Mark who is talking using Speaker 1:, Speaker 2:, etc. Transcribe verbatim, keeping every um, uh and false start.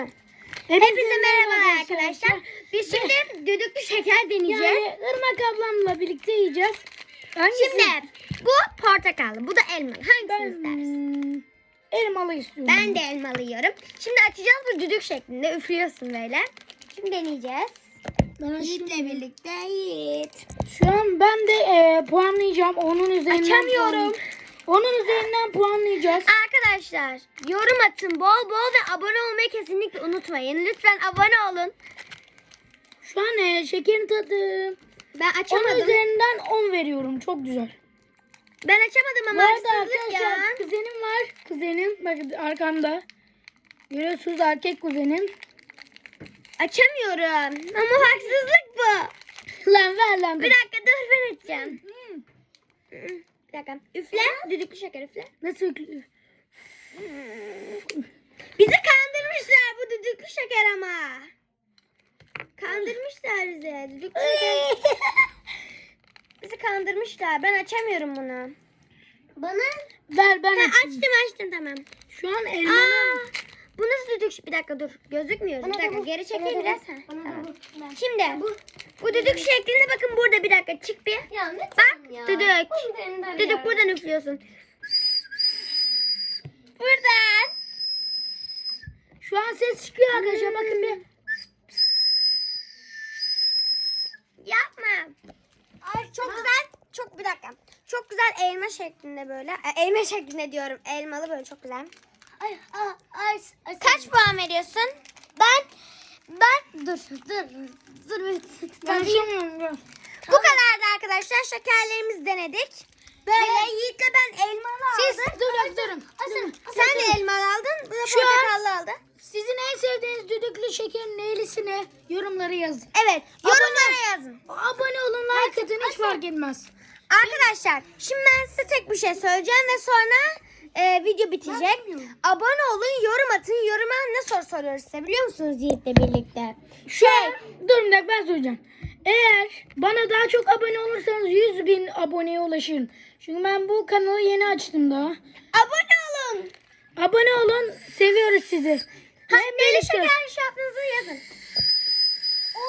Speaker 1: Hepinize merhaba arkadaşlar. Biz şimdi düdüklü şeker deneyeceğiz.
Speaker 2: Yani Irmak ablamla birlikte yiyeceğiz. Hangisi?
Speaker 1: Şimdi bu portakallı, bu da elmalı. Hangisini
Speaker 2: Ben
Speaker 1: istersin?
Speaker 2: elmalı istiyorum.
Speaker 1: Ben de elmalı yiyorum. Şimdi açacağız, bu düdük şeklinde üflüyorsun böyle. Şimdi deneyeceğiz.
Speaker 2: Ben
Speaker 1: Yiğit'le birlikte Yiğit.
Speaker 2: Şu an ben de e, puanlayacağım. Onun üzerinden
Speaker 1: Açamıyorum.
Speaker 2: puan- Onun üzerinden puanlayacağız.
Speaker 1: Arkadaşlar yorum atın bol bol ve abone olmayı kesinlikle unutmayın. Lütfen abone olun.
Speaker 2: Şu an e, şekerin tadı.
Speaker 1: Ben
Speaker 2: Onun
Speaker 1: açamadım.
Speaker 2: üzerinden on veriyorum. Çok güzel.
Speaker 1: Ben açamadım
Speaker 2: Bu
Speaker 1: ama
Speaker 2: arada
Speaker 1: haksızlık ya.
Speaker 2: arkadaşlar kuzenim var. Kuzenim bakın arkamda. Görüyorsunuz erkek kuzenim.
Speaker 1: Açamıyorum. Ama haksızlık bu.
Speaker 2: Lan ver lan.
Speaker 1: Bir dakika dur, ben açacağım.
Speaker 2: Hmm.
Speaker 1: Bir dakika. Üfle. Düdüklü şeker üfle.
Speaker 2: Nasıl yüklü?
Speaker 1: Bizi kandırmışlar bu düdüklü şeker ama. Kandırmışlar bizi. Düdüklü şeker. Bizi kandırmışlar. Ben açamıyorum bunu. Bana?
Speaker 2: Ver ben
Speaker 1: Ha,
Speaker 2: açayım.
Speaker 1: açtım açtım tamam.
Speaker 2: Şu an
Speaker 1: Aa,
Speaker 2: elmanın.
Speaker 1: bu nasıl düdük? Bir dakika dur. Gözükmüyor. Bir dakika geri çekeyim biraz. Ha, tamam. Şimdi bu düdük şeklinde bakın burada, bir dakika çık bir. Bak düdük. Düdük buradan üflüyorsun. Buradan.
Speaker 2: Şu an ses çıkıyor arkadaşlar. Bakın bir.
Speaker 1: Yapma. Ay çok güzel. Çok bir dakika. Çok güzel elma şeklinde böyle. E, elma şeklinde diyorum. Elmalı böyle çok güzel.
Speaker 2: Ay, ay, ay, ay.
Speaker 1: Kaç puan veriyorsun? Ben ben dur dur dur.
Speaker 2: Ben bilmiyorum.
Speaker 1: Bu kadardı arkadaşlar. Şekerlerimizi denedik. Böyle Yiğit'le ben elmalı
Speaker 2: Siz
Speaker 1: aldım.
Speaker 2: durun durun. durun.
Speaker 1: Sen de elmalı aldın. Bu da
Speaker 2: Şu an-
Speaker 1: portakallı aldı.
Speaker 2: Sizin en sevdiğiniz düdüklü şekerin neylisine yorumları yazın.
Speaker 1: Evet. Yorumlara yazın.
Speaker 2: Abone olun, like atın, hiç fark etmez.
Speaker 1: Arkadaşlar şimdi ben size tek bir şey söyleyeceğim ve sonra e, video bitecek.
Speaker 2: bilmiyorum.
Speaker 1: Abone olun, yorum atın. Yoruma ne soru soruyoruz size biliyor musunuz Yiğit'le birlikte?
Speaker 2: Şu an, dur bir dakika ben söyleyeceğim. Eğer bana daha çok abone olursanız yüz bin aboneye ulaşırım. Çünkü ben bu kanalı yeni açtım daha.
Speaker 1: Abone olun.
Speaker 2: Abone olun, seviyoruz sizi.
Speaker 1: Hangi
Speaker 2: birlikte-
Speaker 1: şeker şartınızı yazın.